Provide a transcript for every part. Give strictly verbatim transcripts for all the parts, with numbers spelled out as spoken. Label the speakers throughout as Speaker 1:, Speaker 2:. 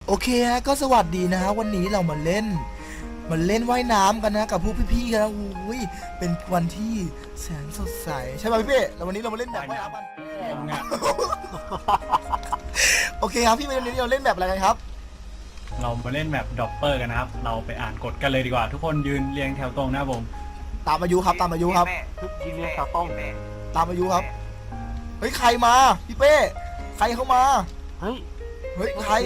Speaker 1: โอเคฮะก็สวัสดีนะฮะวันนี้เรามาเล่นมาเล่นว่ายน้ำกันนะกับพวกพี่ๆกันนะอุ้ยเป็นวันที่แสนสดใสใช่ไหมพี่ๆแล้ววันนี้เรามาเล่นแบบว่ายน้ำกันโอเคครับพี่วันนี้เราเล่นแบบอะไรกันครับ
Speaker 2: เรามาเล่นแบบดอปเปอร์กันนะครับเราไปอ่านกฎกันเลยดีกว่าทุกคนยืนเรียงแถวตรงนะผม
Speaker 1: ตามอายุครับตามอายุครับ
Speaker 3: ยืนเรียงแถวตรง
Speaker 1: ตามอายุครับเฮ้ยใครมาพี่เป้ใครเข้ามา
Speaker 3: เฮ้ย
Speaker 1: เฮ้ยใคร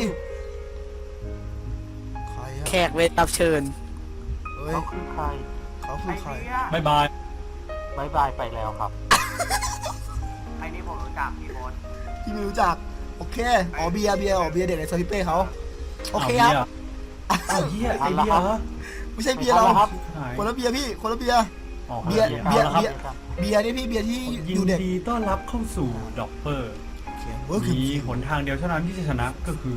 Speaker 4: แขกเวทรับเชิญ
Speaker 1: เขา
Speaker 3: คือใคร
Speaker 1: เขาคือใคร
Speaker 2: บายบาย
Speaker 3: บายบายไปแล้วครับ
Speaker 5: ไอ้นี่ผมรู้จักพี่โบ๊ท
Speaker 1: พี่ไม่รู้จักโอเคอ๋อเบียร์เบียร์อ๋อเบียร์เด็กในซอยพี่เป้เขาโอเคครับ
Speaker 2: อ้าวเฮียไอเบียร์เหรอ
Speaker 1: ไม่ใช่เบียร์เราคนละเบียร์พี่คนละเบียร์เบียร์เบียร์เบียร์เบียร์นี่พี่เบียร์ที่
Speaker 2: ยินดีต้อนรับเข้าสู่ดอปเปอร์มีหนทางเดียวเท่านั้นที่จะชนะก็คือ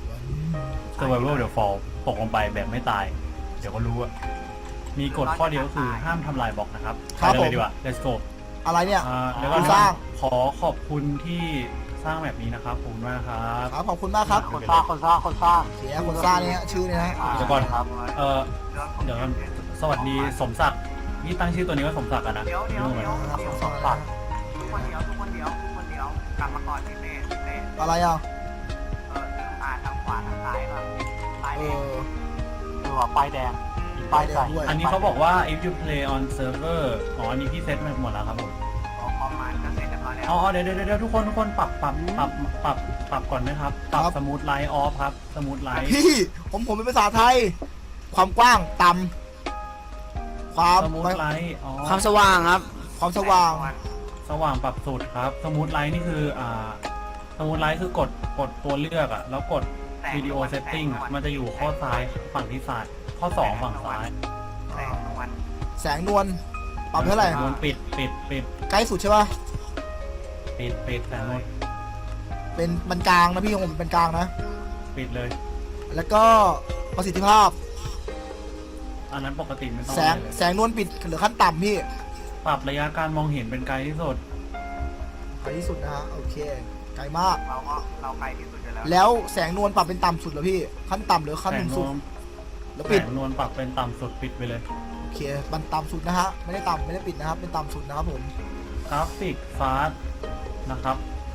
Speaker 2: Survival the Fall ตกลงไปแบบไม่ตายเดี๋ยวก็รู้อะมีกฎข้อเดียวคือห้ามทำลายบล็อกนะครับไปเลยดีกว่า let's go
Speaker 1: อะไรเนี่ย
Speaker 2: แล้วก็สร้างขอขอบคุณที่สร้างแบบนี้นะครับขอบคุณมากครับ
Speaker 1: ครับขอบคุณมากครับ
Speaker 3: คนสร้างคนสร้างคนสร้าง
Speaker 1: เสียคนสร้างเนี่ยชื่อเนี่ยนะ
Speaker 2: เดี๋ยวก่อนครับเออเดี๋ยวสวัสดีสมศักดิ์นี่ตั้งชื่อตัวนี้ว่าสมศักดิ์อะนะ
Speaker 5: เดี๋ยวเดี๋ยวเดี๋ยวสมศักดิ์ทุกคนเดียวทุกคนเดียวทุกคนเดียวกลับมาก่อนพี่เป้พี่เป้
Speaker 1: อะไรอ่ะ
Speaker 5: เอออ่าทางขวาทางซ้ายครับซ้ายแดง
Speaker 3: เออป้ายแดงป้ายแดง
Speaker 2: อันนี้เขาบอกว่า if you play on server อ๋ออันนี้พี่เซตมาหมดแล้วครับผม
Speaker 5: ประมาณก็เสร็จแล้วแล้ว
Speaker 2: อ๋อเดี๋ยวเดี๋ยวเดี๋ยวทุกคนทุกคนปรับปรับปรับปรับปรับก่อนนะครับปรับสมูทไลท์ออฟครับสมูทไลท์
Speaker 1: พี่ผมผมเป็นภาษาไทยความกว้างต่ำความ
Speaker 2: สมูทไลท์อ๋อ
Speaker 4: ความสว่างครับ
Speaker 1: ความสว่าง
Speaker 2: สว่างปรับสุดครับสมูทไลท์นี่คืออ่าสมูทไลท์คือกดกดตัวเลือกอ่ะแล้วกดวิดีโอเซตติ้งอ่ะมันจะอยู่ข้อซ้ายฝั่งที่ซ้ายข้อสองฝั่งซ้าย
Speaker 1: แสงนวลปรับเท่าไหร่
Speaker 2: นวลปิดปิดปิด
Speaker 1: ใกล้สุดใช่ป่ะ
Speaker 2: ปิดปิดแสงนวล
Speaker 1: เป็นมันกลางนะพี่ของผมเป็นกลางนะ
Speaker 2: ปิดเลย
Speaker 1: แล้วก็ประสิทธิภาพ
Speaker 2: อันนั้นปกติไม่ต้อง
Speaker 1: แสงแสงนวลปิดเหลือขั้นต่ำพี่
Speaker 2: ปรับระยะการมองเห็นเป็นไกลที่สุด
Speaker 1: ไกลที่สุดนะฮะโอเคไกลมาก
Speaker 5: เราก็เราไกลที่สุดแล้ว
Speaker 1: แล้วแสงนวลปรับเป็นต่ำสุดเหรอพี่ขั้นต่ำหรือขั้นสูงสุด
Speaker 2: แล้วปิดแสงนวลปรับเป็นต่ำสุดปิดไปเลย
Speaker 1: โอเคมันต่ำสุดนะฮะไม่ได้ต่ำไม่ได้ปิดนะครับเป็นต่ำสุดนะครับผม
Speaker 2: กราฟิกฟาสนะครับ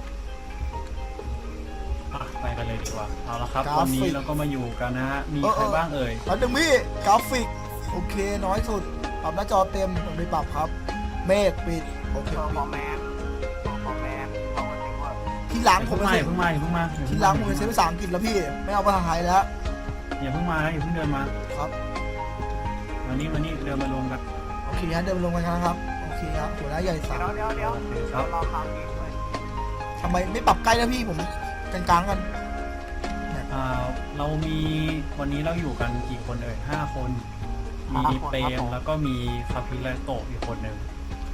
Speaker 2: ไปกันเลยดีกว่าเอาละครับวันนี้เราก็มาอยู่กันนะฮะมีใครบ้างเอ่ย
Speaker 1: ตอนหนึ่งพี่กราฟิกโอเคน้อยสุดปรับหน้าจอเต็มผมไม่ปรับครับเมฆปิดโอเค
Speaker 5: ปิดแมนพอแมนพอมันถึงว่า
Speaker 1: ที่หลังผม
Speaker 2: เพิ่งมาเพิ่งมาเพิ่งมา
Speaker 1: ที่หลังผมเป็นเซฟภาษาอังกฤษแล้วพี่ไม่เอาภาษาไทยแล้ว
Speaker 2: อย่าเพิ่งมาอย่าเพิ่งเดินมา
Speaker 1: ครับ
Speaker 2: วันนี้วันนี้เดินมาลงกัน
Speaker 1: โอเคฮะเดินมาลงกันนะครับโอเคครับหัวหน้าใหญ่สั
Speaker 5: กเดี๋ยวเดี๋ยวเดี๋ยวรอข่าวดีด้วย
Speaker 1: ทำไมไม่ปรับใกล้นะพี่ผมกลางๆกัน
Speaker 2: เรามีวันนี้เราอยู่กันกี่คนเอ่ยห้าคนมีเปรมแล้วก็มีคาพิไลโตะอีกคนหนึ่ง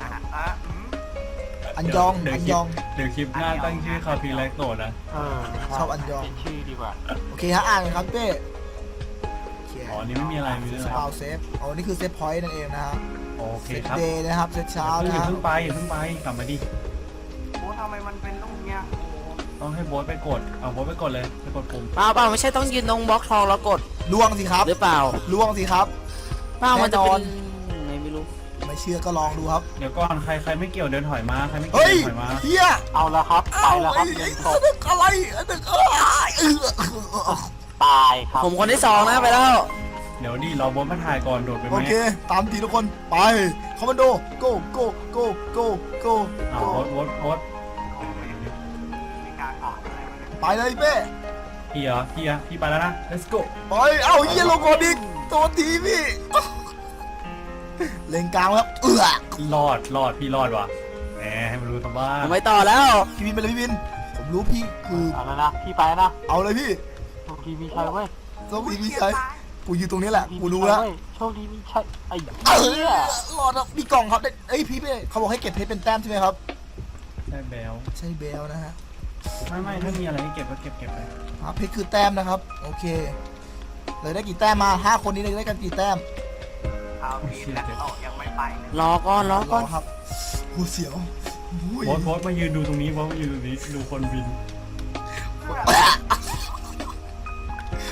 Speaker 1: อันยองอันยอง
Speaker 2: เดี๋ยวคลิปหน้าตั้งชื่อคาพิไลโตะนะ
Speaker 1: ชอบอันยอง
Speaker 3: ชื่อดีกว่า
Speaker 1: โอเคฮะอ่านครับเป้
Speaker 2: อ๋อนี่ไม่มีอะไรมีเรื่อง
Speaker 1: สปาวเซฟอ๋อนี่คือเซฟพอยต์นั่นเองนะฮะ
Speaker 2: โอเคครับ
Speaker 1: เดย์นะครับเซตเช้านะ
Speaker 2: อย่าเพิ่งไปอย่าเพิ่งไปกลับมาดิ
Speaker 5: โอ้ทำไมมันเป็นลูกเนี้ย
Speaker 2: ต้องให้โบ๊ทไปกดเอาโบ๊ทไปกดเลยไปกดปุ่ม
Speaker 4: เปล่าเปล่าไม่ใช่ต้องยืนตรงบล็อกทองแล้วกด
Speaker 1: ล่วงสิครับ
Speaker 4: หรือเปล่า
Speaker 1: ล่วงสิครับ
Speaker 4: เปล่ามันจะเป็นไงไม่รู้
Speaker 1: ไม่เชื่อก็ลองดูครับ
Speaker 2: เดี๋ยวก่อนใครใครไม่เกี่ยวเดินถอยมาใครไม่เกี่ยวเดินถอยมา
Speaker 1: เฮีย
Speaker 3: เอาละครับไปแล้วครับ
Speaker 1: เดินตกอะไรตึก
Speaker 3: ตายครับ
Speaker 4: ผมคนที่สองนะไปแล้ว
Speaker 2: เดี๋ยวดิเราโบ๊ทมาถ่ายก่อนโดดไปไหม
Speaker 1: โอเคตามทีทุกคนไปคอมมานโด go go go go go
Speaker 2: เอาโบ๊ทโบ๊ทโบ๊ท
Speaker 1: ไปเลยเป้
Speaker 2: พี่เหรอพี่อะพี่ไปแล้วนะ let's go
Speaker 1: ไปเอาเยี่ยลงก่อนดิตัวทีพี่เล่นกลางครับเอื้อ
Speaker 2: รอดรอดพี่รอดว่ะแหมให้มันรู้ทำบ้า
Speaker 4: ไม่ต่อแล้ว
Speaker 1: พี่บินไปเลยพี่บินผมรู้พี่คือ
Speaker 3: เอาแล้วนะพี่ไปนะ
Speaker 1: เอาเลยพี่
Speaker 3: โชคดีมีชัยเว้ย
Speaker 1: โชคดีมีชัยกูอยู่ตรงนี้แหละกูรู้แล้ว
Speaker 3: โชคดีมีชัยไอ้
Speaker 1: เหี้ยรอดแล้วมีกล่องครับเอ้ยพี่เป้เขาบอกให้เก็บเพชรเป็นแต้มใช่ไหมครับ
Speaker 2: ใช่เบล
Speaker 1: ใช่เบลนะฮะ
Speaker 2: ไม่ไม่ถ้ามีอะไรให้เก็บก็เก็บเก็บไป
Speaker 1: เพชรคือแต้มนะครับโอเคเลยได้กี่แต้มมาห้าคนนี้เลยได้กันกี่แต้ม
Speaker 5: เอาทีแล้วยังไม่ไป
Speaker 4: รอก่อนรอก่อน
Speaker 1: ครับหูเสียว
Speaker 2: โบ๊ทโบ๊ทมายืนดูตรงนี้โบ๊ทมายืนตรงนี้ดูคนบิน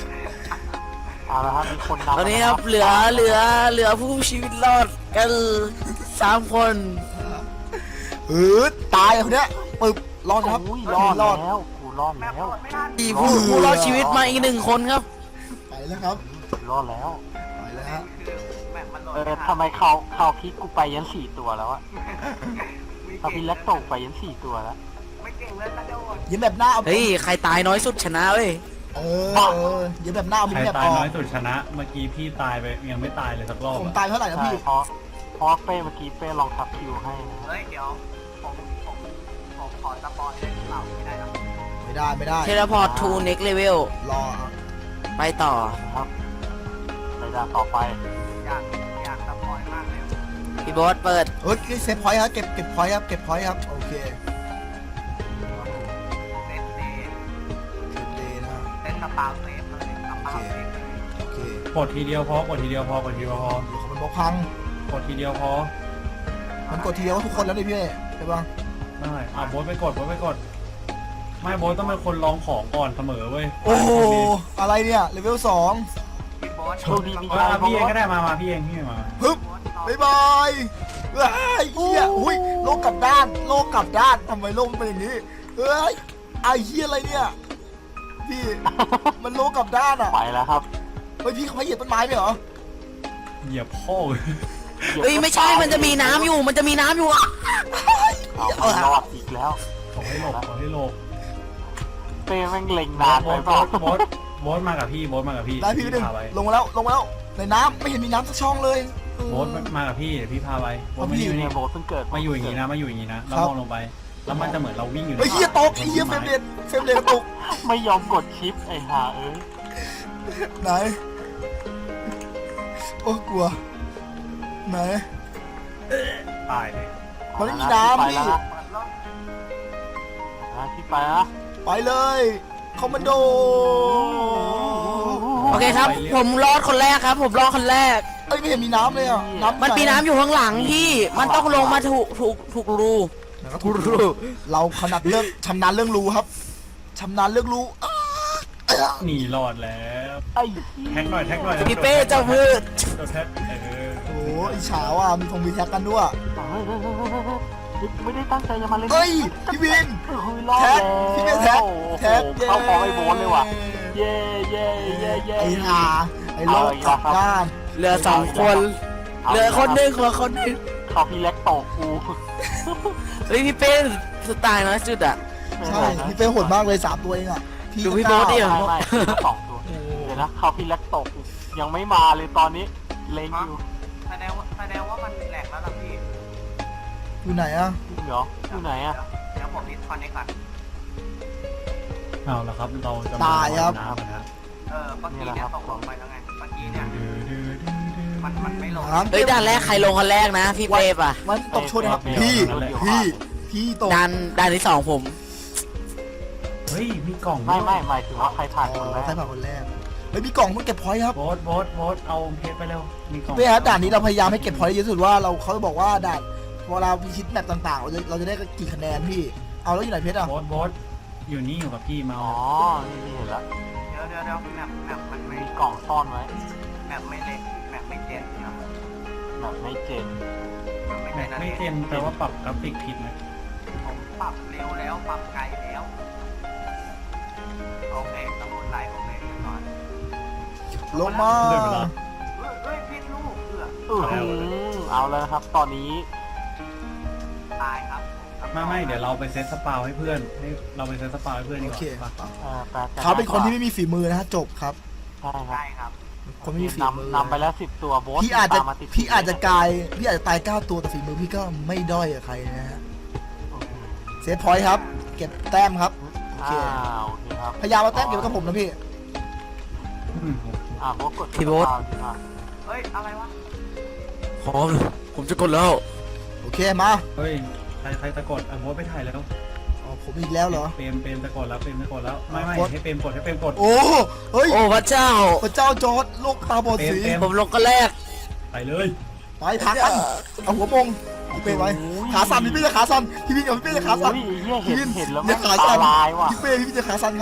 Speaker 3: เอาละครับมีคนนำ
Speaker 4: ตอนนี้ครับเหลือเหลือเหลือผู้ชีวิตรอดกันสามคน
Speaker 1: เออตายคนเนี้ยปึ๊บรอดครับ
Speaker 3: อุ้ยรอด
Speaker 1: รอด
Speaker 3: แล้วกูรอด
Speaker 5: แมป
Speaker 3: แล้ว
Speaker 5: เปิดไม่ทัน
Speaker 4: มีผู้ผู้รอดชีวิตมาอีกหนึ่งคนครับ
Speaker 1: ไปแล้วครับ
Speaker 3: รอดแล้ว
Speaker 1: ไปแล้วฮะ
Speaker 5: คือแมปมันโหลด
Speaker 3: เออ
Speaker 5: ไม่ทัน
Speaker 3: ทำไมเขาเขาพิกกูไปยันสี่ตัวแล้วอะเขาพิกแล้วตกไปยันสี่ตัวแล้ว
Speaker 5: ไม่เก่งเลยกระโดด
Speaker 1: ยิ้มแบบหน้าเอา
Speaker 4: เฮ้ยใครตายน้อยสุดชนะเว้ย
Speaker 1: เออเออยิ้มแบบหน้าเอา
Speaker 2: ใค
Speaker 1: ยิ้
Speaker 2: ร
Speaker 1: มแบบ
Speaker 2: ตา
Speaker 1: อย อก
Speaker 2: น้อยสุดชนะ เมื่อกี้พี่ตายไปยังไม่ตายเลยสักรอบ
Speaker 1: ผม
Speaker 2: อะ
Speaker 1: ตายเท่าไหร่นะ
Speaker 3: ใช่
Speaker 1: พี่
Speaker 3: เพราะเพราะเป้เมื่อกี้เป้ลองทับคิวให้นะ
Speaker 5: เฮ้ยเดี๋ยวผมผมผมขอสปอยได้หรือเปล่าไม่ได้นะ
Speaker 1: ไม่ได้ไม่ได้
Speaker 4: เทเลพอร์ตทูเน็กเลเวล
Speaker 1: รอ
Speaker 4: ไปต่อ
Speaker 3: นะครับไปด่านต่อไป
Speaker 5: อยากอยากสปอยมากเลย
Speaker 4: พี่โบ๊ทเปิด
Speaker 1: เฮ้ยเซฟพอยต์ครับเก็บเก็บพอยต์ครับเก็บพอยต์ครับโอเค
Speaker 5: เซตเดย์
Speaker 1: เซฟเดย์นะ
Speaker 5: เซตสปาเซฟเลยสปาเซฟเลย
Speaker 1: โอเค
Speaker 2: กดทีเดียวพอกดทีเดียวพอกดทีเดียวพอ
Speaker 1: เดี๋ยวมันบอกพัง
Speaker 2: กดทีเดียวพอ
Speaker 1: มันกดทีเดียวทุกคนแล้วนี่พี่ใช่ปะ
Speaker 2: ไม่อ่ะโบ๊ทไปกดโบ๊ทไปกด ไม่โบ๊ทต้องเป็นคนลองของก่อนเสมอเว้ย
Speaker 1: โอ้โหอะไรเนี่ยเลเวลสอง
Speaker 5: พี่โบ๊ท
Speaker 3: โชคดีมี
Speaker 2: เอ
Speaker 3: ชั
Speaker 2: อย
Speaker 3: เพราะ
Speaker 2: พี่เองก็
Speaker 3: ว่า
Speaker 2: ได้มามาพี่เองพี่เองมา
Speaker 1: ปึ๊บ
Speaker 5: โบ๊ท
Speaker 1: บ๊ายบายว้ายเฮียอุ้ยโลกกลับด้านโลกกลับด้านทำไมโลกมันเป็นอย่างนี้เฮ้ยไอ้เฮียอะไรเนี่ยพี่มันโลกกลับด้านอ่ะ
Speaker 3: ไปแล้วครับ
Speaker 1: เฮ้ยพี่เขาให้เหยียบต้นไม้ไหมเหรอ
Speaker 2: เหยียบพ่อเลย
Speaker 4: เอ้ยไม่ใช่มันจะมีน้ำอยู่มันจะมีน้ำอยู่อะ
Speaker 3: เอาไม่รอดอีกแล้ว
Speaker 2: ขอให้หลบขอให้หลบ
Speaker 3: เป้แม่งเล็ง
Speaker 2: โบ๊
Speaker 3: นาน
Speaker 2: ท
Speaker 3: ไป
Speaker 2: โบ๊ท
Speaker 3: เป
Speaker 2: โบ๊
Speaker 3: ล่า
Speaker 2: ทโบ๊ทโบ๊ทมากับพี่โบ๊ทมากับพี่
Speaker 1: ได้พี่หนึ่ง
Speaker 2: พาไป
Speaker 1: ลงมาแล้วลงมาแล้วในน้ำไม่เห็นมีน้ำสักช่องเลย
Speaker 2: โบ๊ทมากับพี่เดี๋ยวพี่พาไปโบ๊ท
Speaker 1: เอา
Speaker 2: มา
Speaker 1: พี่
Speaker 2: อยู่
Speaker 3: เนี่
Speaker 2: นี่
Speaker 3: ยโบทเพิ่งเกิด
Speaker 2: มาอยู่อย่างนี้นะมาอยู่อย่างนี้นะแล้วมองลงไป แล้วมันจะเหมือนเราวิ่งอยู่ใน
Speaker 1: เฮ้ยเฮียตกไอ้เฮียเฟรมเรทเฟรมเรทกระตุก
Speaker 3: ไม่ยอมกดชิปไอ้ห่าเอ้ย
Speaker 1: ไหนโอ้กลัวไหน
Speaker 2: ตายเลย
Speaker 1: มันไม่มีน้ำ
Speaker 3: ไป
Speaker 1: พี่
Speaker 3: แล้วนะนะที่ไปนะ
Speaker 1: ไปเลยคอมมานโด
Speaker 4: โอเคครับ ผมรอดคนแรกครับ ผมรอดคนแรก
Speaker 1: เอ้ยไม่เห็นมีน้ำเลยอ่ะน้ำ
Speaker 4: มันมีน้ำอยู่ข้างหลังพี่ มันต้องลงมาถูกถูกถูกรู
Speaker 1: นะครับถูกรูเราขนาดเรื่องชำนาญเรื่องรูครับชำนาญเรื่องรูอ้า
Speaker 2: หนีรอดแล้ว
Speaker 3: ไอ้
Speaker 2: แท็กหน่อยแท็กหน่อย
Speaker 4: พี่เป้เจ้ามืด
Speaker 2: โดนแท็กเออ
Speaker 1: โอ้ยฉาวอ่ะมีคงมีแท็กกันด้วย
Speaker 3: เฮ้ยไม่ได้ตั้งใจจะมาเล่น
Speaker 1: เฮ้ยพี่วิน
Speaker 3: เฮ้ยรอด
Speaker 1: แท็ก
Speaker 3: แล้ว
Speaker 1: พี่เป้แท็ก
Speaker 3: โอ้โห
Speaker 1: แท็ก
Speaker 3: เข้าพอไอ้โบนเลยว่ะ เย่เย่เย่เย่
Speaker 1: ไอ้ห่าไอ้โลกกลับด้าน
Speaker 4: เหลือสองคน เหลือคนหนึ่งเหลือคนหนึ่ง
Speaker 3: เขาพี่เล็กตกกู
Speaker 4: เฮ้ยพี่เป้สไตล์น้อยสุดอ่ะ
Speaker 1: ใช่พี่เป้โหดมากเลยสามตัวเองอ่ะ
Speaker 4: ดูพี่โบ๊ทดิ
Speaker 3: ไม่ไม่ไม่สองตัวเดี๋ยวนะเขาพี่เล็กตกยังไม่มาเลยตอนนี้เล็งอยู่
Speaker 5: แสดงว่าแสดงว่ามันแหลกแล้วล่ะพี่
Speaker 1: อยู่ไหนอ่ะ
Speaker 3: จริงเหรออยู่ไหนอะ
Speaker 5: เดี๋ยวผมดิสคอนเนคก่อน
Speaker 2: เอาละครับเราจะ
Speaker 1: ตายครับ
Speaker 2: น้ำนะ
Speaker 5: เออเมื่อกี้เนี่ยตกลงไปแล้วไงเมื่อกี้เนี่ยมันมันไม่ลง
Speaker 1: น้ำ
Speaker 4: เฮ้ยด่านแรกใครลงคนแรกนะ พี่เป้ป่ะ
Speaker 1: มันตกชนครับพี่พี่พี่ตก
Speaker 4: ด่านด่านที่สองผม
Speaker 2: เฮ้ยมีกล่อง
Speaker 3: ไม่ไม่หมายถึงว่าใครผ่านคนแรก
Speaker 1: ใครผ่านคนแรกเฮ้ยมีกล่องต้องเก็บพอยต์ครับ
Speaker 2: โบ๊ทโบ๊ทโบ๊ทเอาเพชรไปเร็วมีกล่อง
Speaker 1: เป้ครับด่านนี้เราพยายามให้เก็บพอยต์เยอะที่สุดว่าเราเขาบอกว่าด่านเวลาพิชิตแมปต่างๆ เราจะเราจะได้กี่คะแนนพี่เอาแล้วอยู่ไหนเพชรอ่ะ
Speaker 2: โบ๊ทโบ๊ทอยู่นี่อยู่กับพี่มา
Speaker 3: อ๋
Speaker 2: เอา
Speaker 3: อนี่นี่เห็นแล้ว
Speaker 5: เดี๋ยวเดี๋ยวเดี๋ยวแมปแมปมันไม่
Speaker 3: มีกล่องซ่อนไว้
Speaker 5: แมปไม่เล็กแมปไม่เจนนะ
Speaker 3: แบบไม่เจน
Speaker 5: ไม่
Speaker 2: แม็
Speaker 5: ใช่
Speaker 2: ก
Speaker 5: นะ
Speaker 2: ไม่เจนแปลว่าปรับกราฟิกผิดนะ
Speaker 5: ผมปรับเร็วแล้วปรับไกลแล้วโอเคสมุนไพรโอเคเรียบร้อย
Speaker 1: ลงมา
Speaker 2: เดินไปแล้ว
Speaker 5: เฮ้ยเฮ้ยพิษลูกเอือ
Speaker 3: อือหือเอาแล้วนะครับ ตอนนี้
Speaker 5: ตายครับ
Speaker 2: ไม่ไม่เดี๋ยวเราไปเซตสปาวให้เพื่อนให้เราไปเซตสปาวให้เพื่อนดี
Speaker 1: โอก เค
Speaker 2: ว่า
Speaker 3: เอ่อแปลกๆ
Speaker 1: เขาเป็นคนที่ไม่มีฝีมือนะฮะจบครับ
Speaker 3: ใช่ครับ
Speaker 5: ใช่ครับ
Speaker 1: คนไม่มีฝีมือน
Speaker 3: ำนำไปแล้วสิบตัวโบส
Speaker 1: พี่อาจจะ
Speaker 3: ตมมติด
Speaker 1: พี่อาจจะกลายพี่อาจจะตายเก้าตัวแต่ฝีมือพี่ก็ไม่ด้อยกับใครนะฮะเซฟพอยต์ครับ เก็บแต้มครับโอเค
Speaker 3: อ่าโอเคครับ
Speaker 1: พยายามเอาแต้มเก็บไว้กับผมนะพี่
Speaker 2: อืม
Speaker 3: อ่าโบสกด
Speaker 4: พี่โบ๊ท
Speaker 3: ดีกว่า
Speaker 5: เฮ้ยอะไรวะ
Speaker 4: พร้อมผมจะกดแล้ว
Speaker 1: โอเคมา
Speaker 2: เฮ้ยใครใครตะกดอ่ะโบ๊ทไปถ่ายแล้ว
Speaker 1: อ๋อผมอีกแล้วเหรอ
Speaker 2: เปรมเปรมตะกดแล้วเปรมตะกดแล้วไม่ไม่
Speaker 1: กด
Speaker 2: ให้เปรมกดให้เปรมกด
Speaker 1: โอ้เฮ้ย
Speaker 4: โอ้พระเจ้า
Speaker 1: พระเจ้าจอร์ดโลกตาบอดสี
Speaker 2: เต็ม
Speaker 4: ผมลงคนแรก
Speaker 2: ไปเลย
Speaker 1: ไปพักกันเอาหัวมงพี่เป้ไว้ขาสั่นพี่เป้จะขาสั่นพี่พี่กับพี่เป้จะขาสั่น
Speaker 3: อุ้ยเหี้ย
Speaker 1: พี่
Speaker 3: เห็น
Speaker 1: พี่
Speaker 3: เห็นแล้ว
Speaker 1: อย่า
Speaker 3: มัน
Speaker 1: ขา
Speaker 3: ตา
Speaker 1: สั่น
Speaker 3: ลายว่ะ
Speaker 1: พี่เป้พี่จะขาสั่นครับพี่เป้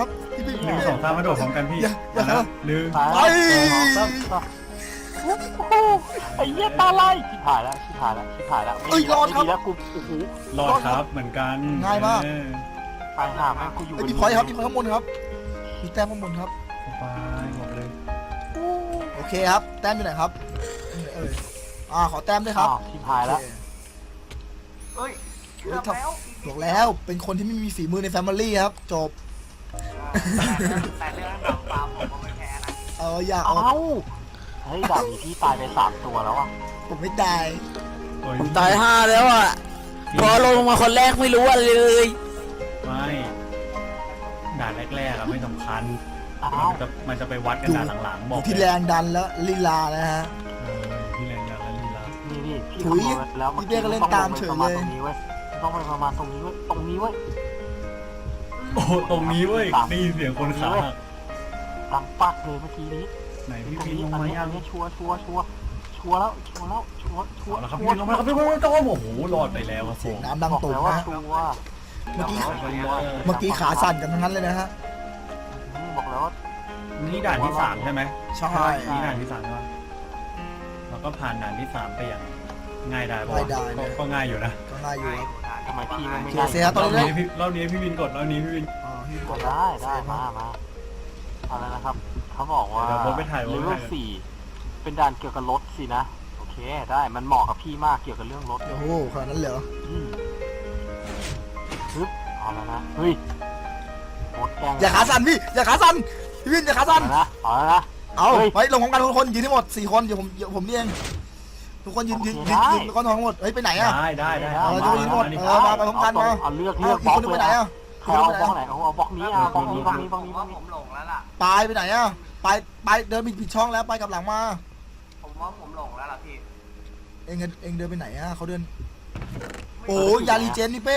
Speaker 1: พี่
Speaker 2: หนึ่งสองสามมาโดดพร้อมกันพี่
Speaker 1: อย่าอย่า
Speaker 2: นะหนึ่ง
Speaker 3: ตายแล้วสองสามโอ้โหไอ้เหี้ยตาไล่ชิบหายแล้วชิบหายแล้วชิบหายแล้วไม่ดีแล้วไม่ดีแล้วกูโอ้โห
Speaker 2: รอดครับเหมือนกัน
Speaker 1: ง่ายมาก
Speaker 2: เออ
Speaker 3: ตายห่าแม่งกูอยู่
Speaker 1: เอ้ยมีพอยต์ครับมีพอยต์ข้างบนครับมีแต้มข้างบนครับ
Speaker 2: สบายหมดเลย
Speaker 1: โอเคครับแต้มอยู่ไหนครับเอออ่าขอแต้มด้วยครับ
Speaker 3: อ้าวชิบหายแล้ว
Speaker 5: เอ้ยเกือบแล้ว
Speaker 1: บอกแล้วเป็นคนที่ไม่มีฝีมือในแฟมิลี่ครับจบ
Speaker 5: แต่เรื่องดังปลาผมก็ไม่แพ้นะ
Speaker 1: เอออย่า
Speaker 3: เอ้า
Speaker 1: เอา
Speaker 3: เฮ้ยดาบนี้พี่ตายไปสามตัวแล้วอ่ะ
Speaker 1: ผมไม่ตาย
Speaker 2: โอ้ย
Speaker 4: ผมตายห้าแล้วอ่ะ พอลงมาคนแรกไม่รู้อะไรเลย
Speaker 2: ไม่ด่านแรกๆอะไม่สำคัญ
Speaker 3: อ้า
Speaker 2: มั
Speaker 3: วน
Speaker 2: จะมันจะไปวัดกันด่านหลังๆ
Speaker 1: อบ
Speaker 2: อยู่ ก
Speaker 1: ที่
Speaker 2: เลย
Speaker 1: แรงดันแล้วลีลานะฮะ
Speaker 2: เอออยู่ที่แรงดันและลีลา
Speaker 3: นี่นี่พี่
Speaker 1: ถุย
Speaker 3: คำนวณแล้ว
Speaker 1: พี่เป้ก็เล่นตามเฉยเลย
Speaker 3: ต้องไปประมาณตรงนี้เว้ยต้องไปประมาณตรงนี้เว้ยตรงนี้เว้ย
Speaker 2: โอ้ตรงนี้เว้ยได้ยินเสียงคนขาหัก
Speaker 3: ดังปักเลยเมื่อกี้นี้
Speaker 2: ไหนพี่
Speaker 3: ตรง
Speaker 2: พิน
Speaker 3: นี้
Speaker 2: ลง
Speaker 3: อัน
Speaker 2: มา
Speaker 3: นี้
Speaker 2: ยั
Speaker 3: อั
Speaker 2: ง
Speaker 3: นนี้ชัวร์ชัวร์ชัวร์ชัวร์แล้วชัวร์แล้วชัวร์ชัวร์
Speaker 2: เอาละครับ
Speaker 3: ชั
Speaker 2: พี่
Speaker 3: ว
Speaker 2: พิ
Speaker 3: ร์
Speaker 2: นลงมาครับพี่พินโต้โอ้โหรอดไปแล้วครับผ
Speaker 1: เสียง
Speaker 2: ม
Speaker 1: น้ำดัง
Speaker 3: บอก
Speaker 1: ตก
Speaker 3: แล้วว่า
Speaker 1: นะ
Speaker 3: ชัวร์
Speaker 1: เมื่อกี้
Speaker 2: เอาไปเลย
Speaker 1: เมื่อกี้ขาสั่นกันทั้งนั้นเลยนะฮะ
Speaker 3: บอกแล้วว่า
Speaker 2: นี่ด่านที่สามใช่ไหม
Speaker 1: ใช่
Speaker 2: นี่ด่านที่สามใช่ไหมแล้วก็ผ่านด่านที่สามไปอย่างง่ายได้ป่ะ
Speaker 1: ง่ายได้นะ
Speaker 2: ก็ง่ายอยู่นะ
Speaker 1: ก็ง่ายอยู่ครับ
Speaker 3: ทำไมพี่มันไม่
Speaker 1: โอเค
Speaker 3: ได้
Speaker 1: เสีย
Speaker 2: ร
Speaker 1: ตอน
Speaker 2: อบ
Speaker 1: นี้
Speaker 2: นี้พี่รอบนี้พี่วินกดรอบนี้พี่วิน
Speaker 1: อ่าพี่ก
Speaker 3: ก็
Speaker 1: ด
Speaker 3: ได้ได้มามาอะไรนะครับเขาบอกว่า
Speaker 2: เดี๋ยวผมไปถ่าย
Speaker 3: เล
Speaker 2: ไว้
Speaker 3: เวลสี่เป็นด่านเกี่ยวกับรถสินะโอเคได้มันเหมาะกับพี่มากเกี่ยวกับเรื่องรถ
Speaker 1: โอ้โหขนาดนั้นเหรอ
Speaker 3: อืมปึ๊บเอาแล้วนะเฮ้ยโคตรแกล้ง
Speaker 1: อย่าขาสั่นพี่อย่าขาสั่นพี่วินอย่าขาสั่น
Speaker 3: เอาแล้วนะเอาแล้วนะ
Speaker 1: เอา
Speaker 3: เฮ้ย
Speaker 1: ไว้ลงของกันทุกคนยืนให้หมดสี่คนเดี๋ยวผมเดี๋ยวผมนี่เองทุกคนยืนยืน
Speaker 3: โอเค
Speaker 1: ยืน
Speaker 3: ได้
Speaker 1: ยืนก้อนทองทั้งหมดเฮ้ยไปไหนอะ
Speaker 2: ได้ได้ได้
Speaker 1: เออจะไปยืนหมด
Speaker 2: อันนี้
Speaker 1: เออมาไปพร้อมกันมา
Speaker 3: เอาเลือก
Speaker 1: เอา
Speaker 3: เลือก
Speaker 1: อี
Speaker 3: บ
Speaker 1: ก
Speaker 3: ล็อ
Speaker 1: ค
Speaker 3: ก
Speaker 1: นนึง
Speaker 3: เล
Speaker 1: ไป
Speaker 3: ย
Speaker 1: ไหน
Speaker 3: นะ
Speaker 1: อะ
Speaker 3: ใครเอาบล็อกไหนเอาเอาบล็อกนี้เอาบล็อกนี้บล็อกนี้บล็อกนี้
Speaker 5: ผมว่าผมหลงแล้วล่ะ
Speaker 1: ไปไปไหนอะไปไปเดินผิดผิดช่องแล้วไปกลับหลังมา
Speaker 5: ผมว่าผมหลงแล้วล่ะพี่
Speaker 1: เองเองเดินไปไหนอะเขาเดินโอ้ยาลีเจนนี่เป้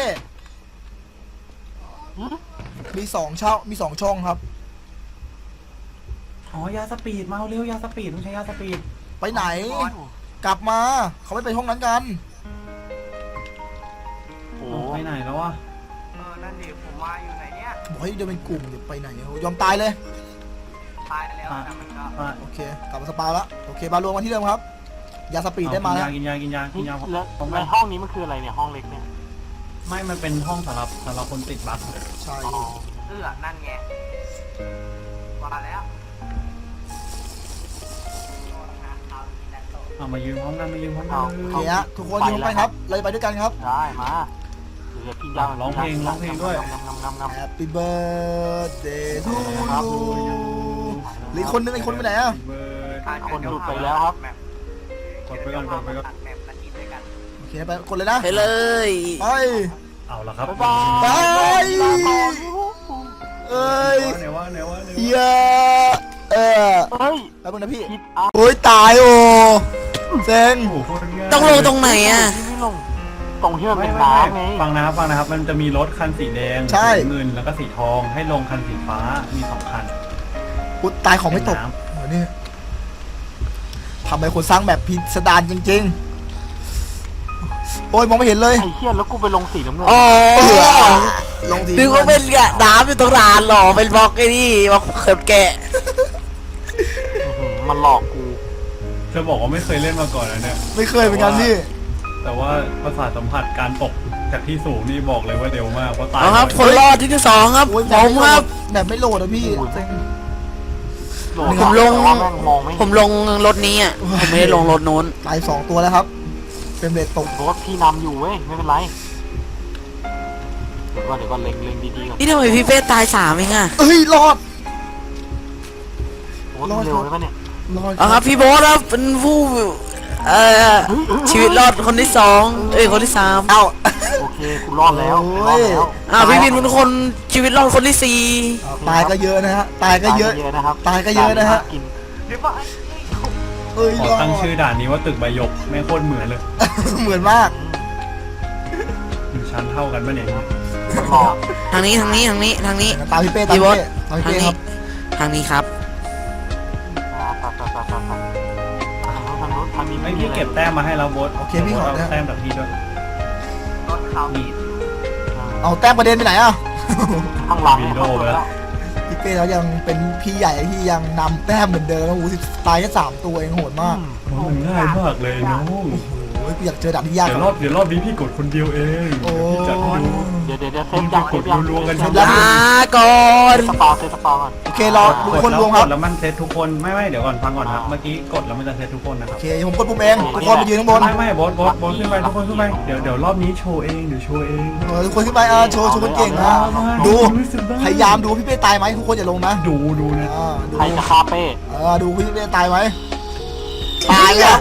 Speaker 3: หือ
Speaker 1: มีสองช่องมีสองช่องครับ
Speaker 2: อ๋อยาสปีดมาเร็วยาสปีดต้องใช้ยาสปีด
Speaker 1: ไปไหน กลับมาเขาไม่ไปห้องนั้นกัน
Speaker 3: โอ้
Speaker 2: เอาไปไหนแล้ววะ
Speaker 5: เออนั่นดิผมว่าอยู่ไหนเนี่ย
Speaker 1: บอกให้เดินเป็นกลุ่มเดี๋ยวไปไหนโอ้ยอมตายเลย
Speaker 5: ตายแล้วแต่มันก็
Speaker 2: อ่ะ
Speaker 1: โอเคกลับมาสปาแล้วโอเคบาลวงมาที่เดิมครับยาสปีดได้มาแล้ว
Speaker 2: กินยากินยากินยากิน
Speaker 3: แล้
Speaker 2: ยาว ผม
Speaker 3: ในห้องนี้มันคืออะไรเนี่ยห้องเล็กเนี่ย
Speaker 2: ไม่มันเป็นห้องสำหรับสำหรับคนติดบั๊ก
Speaker 1: ใช่
Speaker 3: อ๋อ
Speaker 5: เอื้อนั่นไงว่าแล้ว
Speaker 2: เอามายืนพร้อมกันมายืนพร้อมกั
Speaker 3: เอา
Speaker 2: น
Speaker 1: โอเคฮะทุกคนยืนไปครับเราจะไปด้วยกันครับ
Speaker 3: ได้มาเดี๋ยวพี่ยาว
Speaker 2: ร้องเพลงร้องเพลงด้วย
Speaker 3: งำงำงำงำ
Speaker 1: Happy birthday to
Speaker 3: ครับ
Speaker 1: you หรืออกคนนึงไอ้คนไปไหนอะ
Speaker 2: เบิร์ด
Speaker 3: คนหลุดไปแล้วครับ
Speaker 2: กดไปก่อนกดไปก่อน
Speaker 5: ตัดแมปนาทีด้วยกัน
Speaker 1: โอเคไปกดเลยนะ
Speaker 4: ไปเลย
Speaker 1: ไป
Speaker 2: เอาละครับ
Speaker 3: บ๊ายบาย
Speaker 1: ไป
Speaker 3: ลาก่อน
Speaker 1: เอ้ย
Speaker 2: ไหนวะไหนวะไหนวะ
Speaker 1: เหี้ยเออ
Speaker 3: เฮ้ย
Speaker 1: แป๊บนึงนะพี่
Speaker 3: คิดอ่ะ
Speaker 1: โอ้ยตายโอ้เซ็ง
Speaker 2: โอ้โหโคตรง่าย
Speaker 4: ต้องลงตรงไหนอ่ะ
Speaker 3: ที่ไม่ลงตรงที่มัน
Speaker 2: ไม่
Speaker 3: เป็น
Speaker 2: ไม่
Speaker 3: น้ำไง
Speaker 2: ไม่ฟังนะครับฟังนะครับ มันจะมีรถคันสีแดง
Speaker 1: ใช่
Speaker 2: สีเงินแล้วก็สีทองให้ลงคันสีฟ้ามีสองคัน
Speaker 1: อุ๊ยตายของไม่ตก
Speaker 2: เป็นน้
Speaker 1: โอ้นี่ทำไมคนสร้างแบบพิสดารจริงๆโอ้ยมองไม่เห็นเลย
Speaker 3: ไอ้เหี้ยแล้วกูไปลงสีน้ำเงิน
Speaker 4: อ๋อ
Speaker 1: เออลงที
Speaker 4: นึกว่าเป็นกะน้ำอยู่ตรงร้านหรอเป็นบล็อกไอ้นี่บล็อกเขิบแกะ
Speaker 3: อื้อหือมันหลอกกู
Speaker 2: จะบอกว่าไม่เคยเล่นมาก่อนนะเนี่ย
Speaker 1: ไม่เคยเหมือนกันพี่
Speaker 2: แต่ว่าประสาทสัมผัสการตกจากที่สูงนี่บอกเลยว่าเร็วมากเพราะตาย
Speaker 4: เอาครับ
Speaker 2: บ่อย
Speaker 4: คนรอดที่ที่สองครับ
Speaker 1: โอ้ย
Speaker 4: ผมครับ
Speaker 1: แบบไม่โหลดอะพี่เซ็ง
Speaker 3: โหด
Speaker 4: ผมลง
Speaker 3: แต่ว่าแม่งมองไม่
Speaker 4: ผ
Speaker 3: เห็น
Speaker 4: มลงรถนี้อ่ะผมไม่ได้ลงรถนู้น
Speaker 1: ตายสองตัวแล้วครับ เป็นเบรดตก
Speaker 3: รถพี่นำอยู่เว้ยไม่เป็นไรเดี๋ยวก่อนเดี๋ยวก่อนเล็งเล็งดีๆก่อน
Speaker 4: นี่ทำไมพี่เป้ตายสามเองอ่ะ
Speaker 1: เอ้ยรอด
Speaker 3: โอ้ยเร็วเลยปะเนี่ย
Speaker 1: รอด
Speaker 4: เอาครับพี่โบ๊ทครับเป็นผู้เอ่อชีวิตรอดคนที่สองเอ้ยคนที่สาม
Speaker 1: เอ้า
Speaker 3: โอเคกูรอดแล้ว
Speaker 1: โอ้
Speaker 3: รอด
Speaker 1: ย
Speaker 3: แล้ว
Speaker 4: อ้าวพี่วินเป็นคนชีวิตรอดคนที่สี่
Speaker 1: ตายก็เยอะนะฮะตายก็เยอะ
Speaker 3: ตายนะครับ
Speaker 1: ตายก็เยอะนะฮะ
Speaker 3: กิน
Speaker 5: เดี๋ยวว่า
Speaker 1: เอ้ย
Speaker 2: ขอ
Speaker 1: รอด
Speaker 2: ตั้งชื่อด่านนี้ว่าตึกใบหยกแม่งโคตรเหมือนเลย
Speaker 1: เหมือนมาก
Speaker 2: อยู่ชั้นเท่ากันปะเนี่ย
Speaker 3: หลอก
Speaker 4: ทางนี้ทางนี้ทางนี้ทางนี้
Speaker 1: ตามพี่เป้ตาม
Speaker 4: พี่
Speaker 1: พี่
Speaker 4: โบ๊ท
Speaker 1: เป้ตาม
Speaker 4: ทาง
Speaker 1: พี่เป้ค
Speaker 4: นี้
Speaker 1: รับ
Speaker 4: ทางนี้ครับ
Speaker 3: อ่าไปไปไปไปไปทางนู้นทางนู้นทางนี้
Speaker 2: ไอ
Speaker 3: ไม่มี
Speaker 2: พี่
Speaker 3: อะไร
Speaker 2: เก็บแต้มมาให้เราโบส
Speaker 1: โอเคพี่ขอ
Speaker 2: เอา
Speaker 1: นะ
Speaker 2: แต้มจากพี่ด้วย
Speaker 5: รถเขามี
Speaker 1: เอาแต้มประเด็นไปไหนอ่ะ
Speaker 3: ข้างหลัง
Speaker 2: วี
Speaker 3: เนี่ย
Speaker 2: โดไปแล้ว
Speaker 1: พี่เป้แล้วยังเป็นพี่ใหญ่ที่ยังนำแต้มเหมือนเดิมนะโอ้โหสิบตายแค่สามตัวเองโหดมาก
Speaker 2: มันง่ายมากเลยน้อง
Speaker 1: โอ้ยกูอยากเจอด่านที่ยาก
Speaker 2: เดี๋ยวรอบเดี๋ยวรอบนี้พี่กดคนเดียวเอง
Speaker 1: โอ้
Speaker 2: พี่จัดให้ดู
Speaker 3: เดี๋ยวเดี๋ยวเดี๋ยวเซ
Speaker 2: มึ
Speaker 3: ฟ
Speaker 2: ง
Speaker 3: ยั
Speaker 2: จะ
Speaker 3: ง
Speaker 2: กดรัวๆกัน
Speaker 1: เสร็
Speaker 2: ทั้
Speaker 1: จ
Speaker 2: ง
Speaker 1: แล้ว
Speaker 4: ลาก่อน
Speaker 3: สปาเซฟสปาก่อน
Speaker 1: โอเครอทุกคนรวมครับ
Speaker 2: กดแล้วมันเซตทุกคนไม่ไม่เดี๋ยวก่อนฟังก่อนครับเมื่อกี้กดแล้วมันจะเซตทุกคนนะค
Speaker 1: โอ
Speaker 2: รับ
Speaker 1: เคผมกดปุ่มเองทุกคนไปยืนข้างบน
Speaker 2: ไม่ไม่บอสบอสบอสขึ้นไปทุกคนขึ้นไปเดี๋ยวเดี๋ยวรอบนี้โชว์เองเดี๋ยวโชว์เอง
Speaker 1: เออทุกคนขึ้นไปเออโชว์โชว์คนเก่งนะดูพยายามดูพี่เป้ตายไหมทุกคนอย่าลงนะ
Speaker 2: ดูดูนะ
Speaker 1: อ่าดู
Speaker 3: ใครจะคาเป้
Speaker 1: เออดูพี่เป้ตายไหม
Speaker 4: ตายแล้ว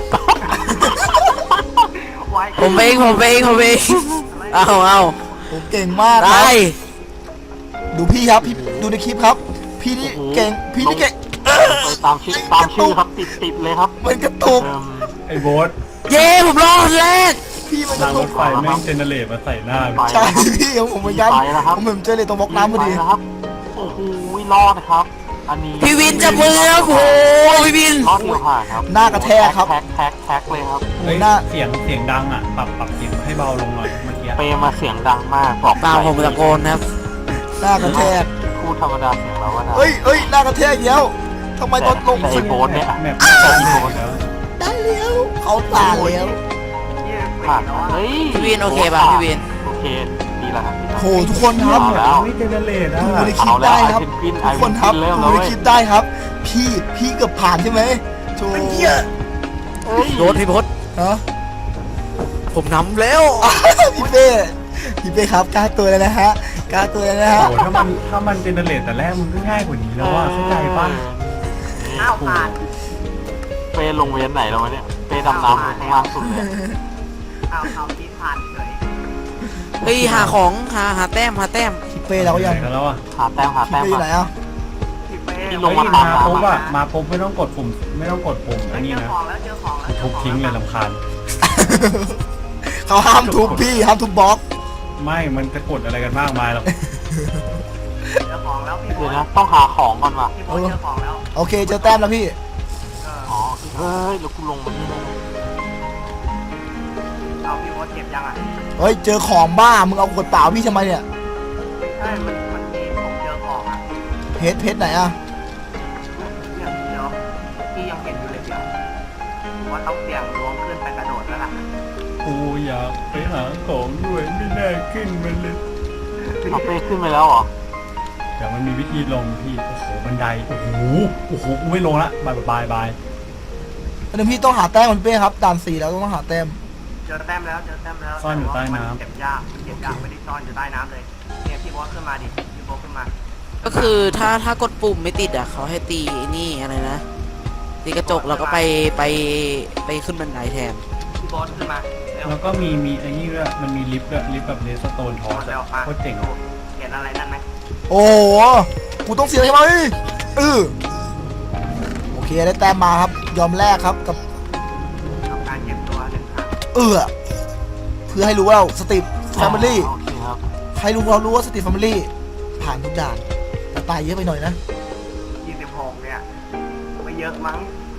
Speaker 5: ไว้
Speaker 4: ผมเองผมเองผมเองเอาเอา
Speaker 1: ผมเก่งมากค
Speaker 4: ได้
Speaker 1: รับดูพี่ครับพี่ดูในคลิปครับ พี่นี่เก่งพี่นี่เก่ง
Speaker 3: ไปตามชื่อตามชื่อครับติดติดเลยครับ
Speaker 1: มันกระตุก
Speaker 3: เอิ่ม
Speaker 2: ไอ้บอส
Speaker 4: เย้ผมรอดแรก
Speaker 1: พี่มันก
Speaker 2: รางร
Speaker 1: ระตุ
Speaker 2: ถ
Speaker 1: ก
Speaker 2: ไฟแม่งเจเนเรตมาใส่หน้า
Speaker 3: ไป
Speaker 1: ใช่พี่ของผมเหมือนกันผมเหมือนเจอเลยตรงบล็อกน้ำพอดี
Speaker 3: ไปนะครับโอ้โหรอดนะครับ อันนี้
Speaker 4: พี่วินจะมือแล้วโอ้โหพี่วิน
Speaker 3: รอดเดียวผ่านครับ
Speaker 1: หน้ากระแทกครับ
Speaker 3: แท็กแท็กแท็กเลยครับ
Speaker 2: เฮ้ย
Speaker 1: หน้า
Speaker 2: เสียงเสียงดังอ่ะปรับปรับเสียงให้เบาลงหน่อยเมื่อกี้
Speaker 3: เปมาเสียงดังมากบอก
Speaker 4: ตามผมตะโกนครับ
Speaker 1: หน้ากระแทก
Speaker 3: พูดธรรมดาเสียงเราว่าดัง
Speaker 1: เอ้ยเอ้ยหน้ากระแทกเดียวทำไมตอนลง
Speaker 3: แต่
Speaker 1: สุ
Speaker 3: ไอ้
Speaker 1: ด
Speaker 3: โบสเนี่ย
Speaker 2: แมปไม่ใช่อีโบสแล้ว
Speaker 1: ได้แล้วเขาตายแล้ว
Speaker 5: ยี่สิบปี
Speaker 3: ผ่าน
Speaker 5: แล้วอะ
Speaker 3: เฮ้ย
Speaker 4: พี่วินโอเคป่ะพี่วิน
Speaker 3: โอเคดีแล้วครับดีแล้ว
Speaker 1: โหทุกคนครับ
Speaker 3: เอาแล้ว
Speaker 2: ไม่เจเนเรตอ่ะ
Speaker 1: ดูในคลิปได้ครับ
Speaker 3: เอาแล้ว
Speaker 1: ทุกคนครับ
Speaker 3: ไอ้วินเริ่มแล้
Speaker 1: ดู
Speaker 3: ว
Speaker 1: ใน
Speaker 3: เว้ย
Speaker 1: คลิปได้ครับ พี่พี่เกือบผ่านใช่ไหมโชว์
Speaker 3: เฮ้ย
Speaker 4: โดนพี่พศ
Speaker 1: ฮะ
Speaker 4: ผมนำแล้ว
Speaker 1: พี่เป้พี่เป้ครับกล้าตัวเลยนะฮะกล้าตัวเลยนะฮะ
Speaker 2: โอ้โหถ้ามันถ้ามันเจเนเรตแต่แรกมันก็ง่ายกว่านี้แล้วว่าเข้าใจป่ะ
Speaker 5: อ้าวผ่าน
Speaker 3: เปลงเวียนไหนแล้ววะเนี่ยเปดำน้ำข้างล่างสุดเลย
Speaker 5: อ้าวเอาที่ผ่านเฉย
Speaker 4: เฮ้ยหาของหาหาแต้มหาแต้ม
Speaker 1: พี่เป้เราก็ยัง
Speaker 2: ไหนกันแล้วอ่ะ
Speaker 3: หาแต้มหา
Speaker 1: พี่
Speaker 3: แต้ม
Speaker 1: เป้อยู่ไหนอ่ะ
Speaker 5: พี่เป้
Speaker 3: ที่ล
Speaker 2: เฮ้
Speaker 3: ง
Speaker 2: ย
Speaker 3: มา
Speaker 2: มาปุ๊บอ่ะมาปุ๊บไม่ต้องกดปุ่มไม่ต้องกดปุ่มอันนี้
Speaker 5: เจอ
Speaker 2: นะ
Speaker 5: ของแล้วเจอของแล้ว
Speaker 2: ทุบทิ้งเลยลำคาญ
Speaker 1: เขาห้ามทุบพี่ห้ามทุบบล็อก
Speaker 2: ไม่มันจะกดอะไรกันมากมายหรอก
Speaker 5: เจอของแล้วพี่โบ
Speaker 3: เดี๋ยว
Speaker 5: ท
Speaker 3: นะต้องหาของก่อนว่ะ
Speaker 5: พี่โบทเจอของแล้ว
Speaker 1: โอเคเจอแต้มแล้วพี่
Speaker 5: เออ
Speaker 3: อ๋อเฮ้ยแล้วกูลงมานี่ได้ไง
Speaker 5: เอาพี่โบทเก็บยังอ่ะ
Speaker 1: เฮ้ยเจอของบ้ามึงเอาขวดเปล่าพี่ทำไมเนี่ย
Speaker 5: ไม่ใช่มันมันมีผมเจอของอ่ะ
Speaker 1: เพชรเพชรไหนอ่ะ
Speaker 5: เนี่ยเดี๋ยวพี่ยังเห็นอยู่เลยเดี๋ยวว่าต้องเสี่ยงดวงขึ้นไปกระโดดแล้วล่ะ
Speaker 2: กูอยากไปหาของด้วยไม่ได้ขึ้นมาเลย
Speaker 3: เอาเป้ขึ้นไปแล้วเหรอ
Speaker 2: แต่มันมีวิธีลงพี่โอ้โหบันไดโอ้โหโอ้โหกูไม่ลงละบายบายบาย
Speaker 1: อันนี้พี่ต้องหาแต้มคุณเป้ครับด่านสี่แล้วต้องหาแต้ม
Speaker 5: เจอแต้มแล้วเจอแต้มแล้ว
Speaker 2: ซ่อนอยู่ใต้น้
Speaker 5: เก็บยากเก็บยากไม่ได้ซ่อนอยู่ใต้น้ำเลยเนี่ยพี่โบทขึ้นมาดิพี่โบทขึ้นมา
Speaker 4: ก็คือถ้าถ้ากดปุ่มไม่ติดอ่ะเขาให้ตีไอ้นี่อะไรนะตีกระจกแล้วก็ไปไปไปขึ้นบันไดแทน
Speaker 5: พี่โบทขึ้นมาเร็ว
Speaker 2: แล้วก็มีมีไอ้นี่ด้วยมันมีลิฟต์ด้วยลิฟต์แบบเลสโตนทอสอะโคตรเจ๋งอะ
Speaker 5: เห็นอะไรนั่นไหม
Speaker 1: โอ้โหกูต้องเสียใช่ไหมเออโอเคได้แต้มมาครับ ยอมแลกครับกับ
Speaker 5: ทำการเก็บตัวหนึ่งครั้ง
Speaker 1: เออเพื่อให้รู้ว่าเราสติปแฟมิลี่
Speaker 3: โอเคครับ
Speaker 1: ให้รู้เรารู้ว่าสติปแฟมิลี่ผ่านทุกด่านแต่ตายเยอะไปหน่อยนะ
Speaker 5: ยี่สิบหกเนี่ยไม่เยอะมั้ง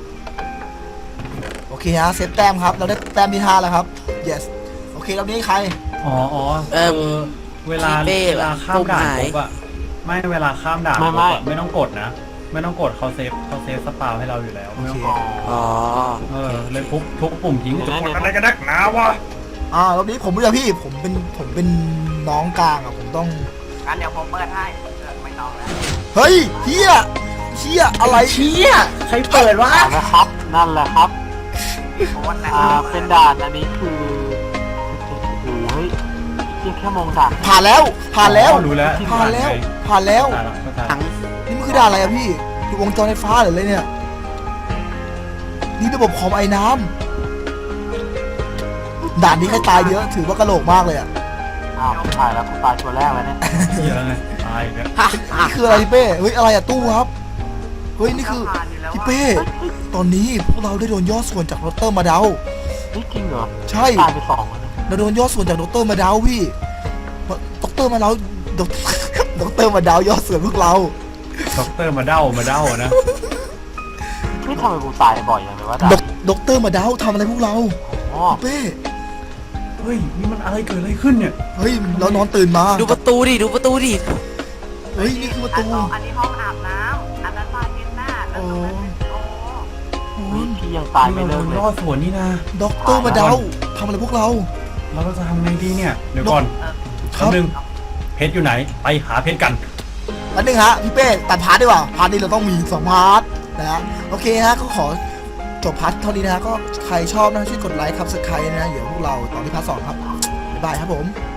Speaker 1: โอเคฮะเซฟแต้มครับเราได้แต้มที่ห้าแล้วครับ yes โอเครอบนี้ใคร
Speaker 2: อ๋ออ๋อ
Speaker 4: เอิ่ม
Speaker 2: คือเวลา
Speaker 4: พี่เป้
Speaker 2: เวลาข้ามด่าน
Speaker 4: ปุ่มหาย
Speaker 2: ปุ๊บอะไม่เวลาข้ามด่าน
Speaker 3: ไม่
Speaker 2: ปุ๊บ
Speaker 3: ไม่
Speaker 2: อะไม่ต้องกดนะ ไม่ต้องกดเขาเซฟเขาเซฟสปาวให้เราอยู่แล้วไม่ต้องกด
Speaker 4: อ๋อ
Speaker 2: เออเลยทุบทุบปุ่มทิ้ง
Speaker 3: เดี๋ยว
Speaker 2: จะ
Speaker 3: นะ
Speaker 2: กด
Speaker 3: เดี๋ยว
Speaker 2: อะไร
Speaker 3: นะ
Speaker 2: กันนักหนาวะ
Speaker 1: อ่ารอบนี้ผมไม่ใช่พี่ผมเป็นผมเป็นน้องกลางอ่ะผมต้อง
Speaker 5: งั้นเดี๋ยวผมเปิดให้เออไม่ต้องแล้ว
Speaker 1: เฮ้ยเฮียเฮียอะไรเฮีย
Speaker 2: ใครเปิดวะ
Speaker 3: เอาละครับ นั่นแหละครับ
Speaker 5: พี่โบทนะ
Speaker 3: อ่า เป็นด่านอันนี้คือโอ้โหเฮ้ยเพียงแค่มองด่าน
Speaker 1: ผ่านแล้วผ่านแล้ว
Speaker 2: อ๋อรู้แล้ว
Speaker 1: ผ่านแล้วผ่านแล้ว
Speaker 2: ตายละเข้าใจ
Speaker 4: ทั้ง
Speaker 1: นี่มันคือด่านอะไรอะพี่ดูวงจรไฟฟ้าหรืออะไรเนี่ย นี่ระบบคอมไอ้น้ำด่านนี้ใครตายเยอะถือว่ากระโหลกมากเลยอะ
Speaker 3: อ้าวตายแล้วกูตายตัวแรกแล้วเนี่ย
Speaker 2: เยอะไงตายอีกแล้ว
Speaker 4: ฮะอ่ะ
Speaker 1: นี่คืออะไรพี่เป้เฮ้ยอะไรอะตู้ครับเฮ้ยนี่คือ
Speaker 5: ผ่านอยู่แล้ว
Speaker 1: พี่
Speaker 5: ว่า
Speaker 1: เป้ตอนนี้พวกเราได้โดนย่อส่วนจากดรมาเดา
Speaker 3: เฮ้ยจริงเหรอ
Speaker 1: ใช่
Speaker 3: ตายไปสองแล้วนะ
Speaker 1: เราโดนย่อส่วนจากดรมาเดาพี่ดรมาเดาดดรมาเดาย่อส่วนพวกเรา
Speaker 2: ด็อกเตอร์มาเด้ามาเด้านะ
Speaker 3: เฮ้ยทำไมกูตายบ่อยอย่างเลยวะด่า
Speaker 1: ด
Speaker 3: น
Speaker 1: ดดรมาเดาทำอะไรพวกเรา
Speaker 3: อ๋อ
Speaker 1: พี่เป้
Speaker 2: เฮ้ยนี่มันอะไรเกิดอะไรขึ้นเนี่ย
Speaker 1: เฮ้ยเรานอนตื่นมา
Speaker 4: ดูประตูดิดูประตูดิ
Speaker 1: เฮ้ยนี่คือประ
Speaker 5: อัน
Speaker 1: ตู
Speaker 5: สองอันนี้ห้องอาบ
Speaker 3: พี่ยังตายไม่
Speaker 2: เรา
Speaker 3: เลิกเลย
Speaker 2: รอดสวนนี่นะ
Speaker 1: ด็อกเตอร์มาเดาทำอะไรพวกเรา
Speaker 2: เราจะทำไงดีเนี่ยเดี๋ยวก่อน
Speaker 1: ครั
Speaker 2: แป๊
Speaker 1: บ
Speaker 2: บนึงเพชรอยู่ไหนไปหาเพชรกัน
Speaker 1: อันหนึ่งฮะพี่เป้ตัดพาร์ทดีกว่าพาร์ทนี้เราต้องมีสองพาร์ทนะฮะโอเคฮะก็ขอจบพาร์ทเท่านี้นะฮะก็ใครชอบนะช่วยกดไลค์ครับสไครต์นะเดี๋ยวพวกเราต่อที่พาร์ทสองครับบ๊ายบายครับผม